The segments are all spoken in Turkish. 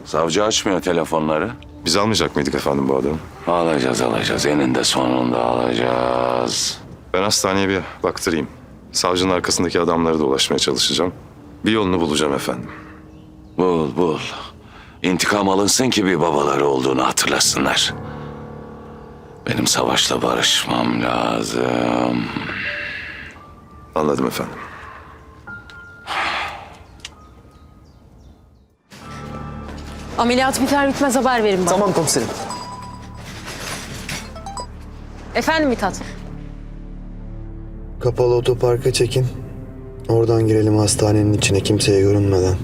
Savcı açmıyor telefonları. Biz almayacak mıydık efendim bu adamı? Alacağız. Eninde sonunda alacağız. Ben hastaneye bir baktırayım. Savcının arkasındaki adamlara da ulaşmaya çalışacağım. Bir yolunu bulacağım efendim. Bul. İntikam alınsın ki bir babaları olduğunu hatırlasınlar. Benim Savaş'la barışmam lazım. Anladım efendim. Ameliyat biter bitmez haber verin bana. Tamam komiserim. Efendim Mithat? Kapalı otoparka çekin. Oradan girelim hastanenin içine kimseye görünmeden.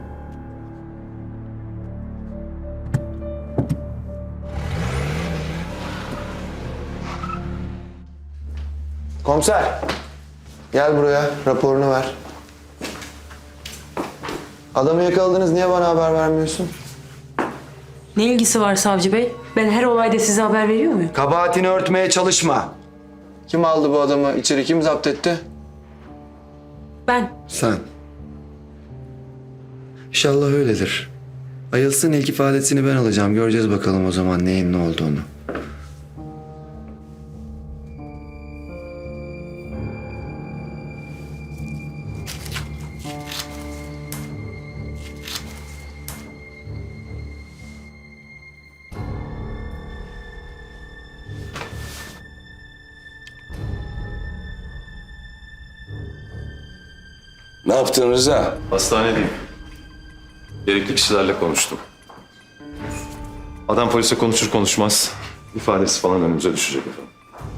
Komiser. Gel buraya. Raporunu ver. Adamı yakaladınız. Niye bana haber vermiyorsun? Ne ilgisi var savcı bey? Ben her olayda size haber veriyor muyum? Kabahatini örtmeye çalışma. Kim aldı bu adamı? İçeri kim zapt etti? Ben. Sen. İnşallah öyledir. Ayılsın, ilk ifadesini ben alacağım. Göreceğiz bakalım o zaman neyin ne olduğunu. Ne yaptın Rıza? Hastanedeyim. Gerekli kişilerle konuştum. Adam polise konuşur konuşmaz ifadesi falan önümüze düşecek efendim.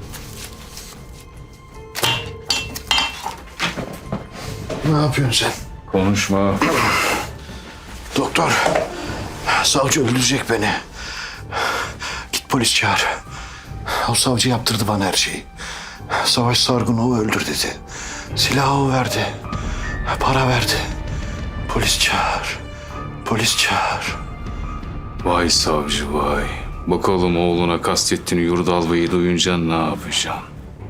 Ne yapıyorsun sen? Konuşma. Doktor, savcı öldürecek beni. Git polis çağır. O savcı yaptırdı bana her şeyi. Savaş Sargun'u öldür dedi. Silahı o verdi. Para verdi. Polis çağır. Polis çağır. Vay savcı vay. Bakalım oğluna kastettiğini Yurdal Bey'i duyunca ne yapacaksın?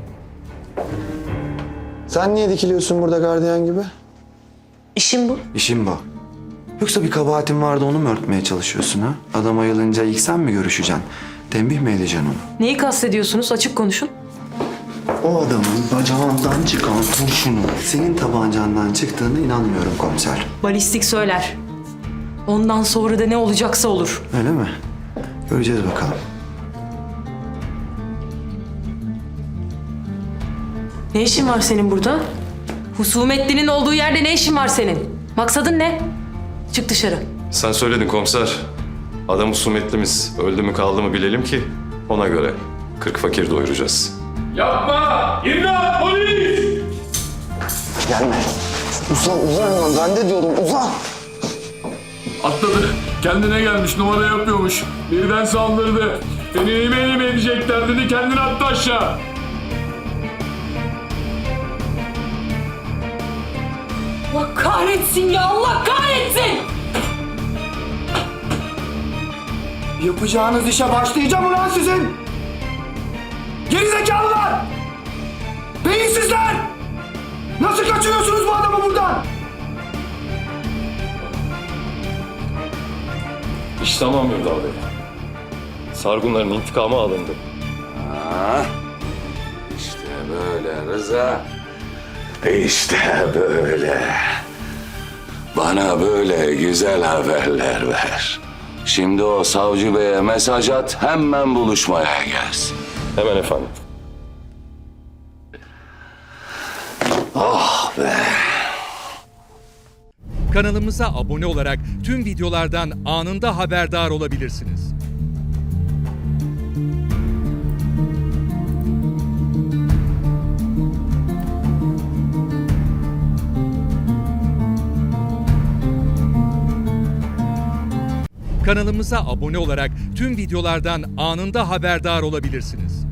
Sen niye dikiliyorsun burada gardiyan gibi? İşim bu. İşim bu. Yoksa bir kabahatin vardı onu mu örtmeye çalışıyorsun ha? Adam ayılınca ilk sen mi görüşeceksin? Tembih mi edeceksin onu? Neyi kastediyorsunuz? Açık konuşun. O adamın bacağından çıkan kurşunun senin tabancandan çıktığına inanmıyorum komiser. Balistik söyler. Ondan sonra da ne olacaksa olur. Öyle mi? Göreceğiz bakalım. Ne işin var senin burada? Husumetlinin olduğu yerde ne işin var senin? Maksadın ne? Çık dışarı. Sen söyledin komiser. Adam husumetlimiz. Öldü mü kaldı mı bilelim ki ona göre 40 fakir doyuracağız. Yapma! İmdat! Polis! Gelme. Uzan. Ben de diyorum uzan. Atladı. Kendine gelmiş, numara yapıyormuş. Birden saldırdı. Beni elime edecekler dedi, kendini attı aşağı. Allah kahretsin ya! Allah kahretsin! Yapacağınız işe başlayacağım ulan sizin. Gerizekalılar. Beyinsizler. Nasıl kaçırıyorsunuz bu adamı buradan? İş tamam Yurdal Bey. Sargunların intikamı alındı. İşte böyle Rıza. İşte böyle. Bana böyle güzel haberler ver. Şimdi o savcı beye mesaj at, hemen buluşmaya gelsin. Hemen efendim. Oh be. Kanalımıza abone olarak tüm videolardan anında haberdar olabilirsiniz. Kanalımıza abone olarak tüm videolardan anında haberdar olabilirsiniz.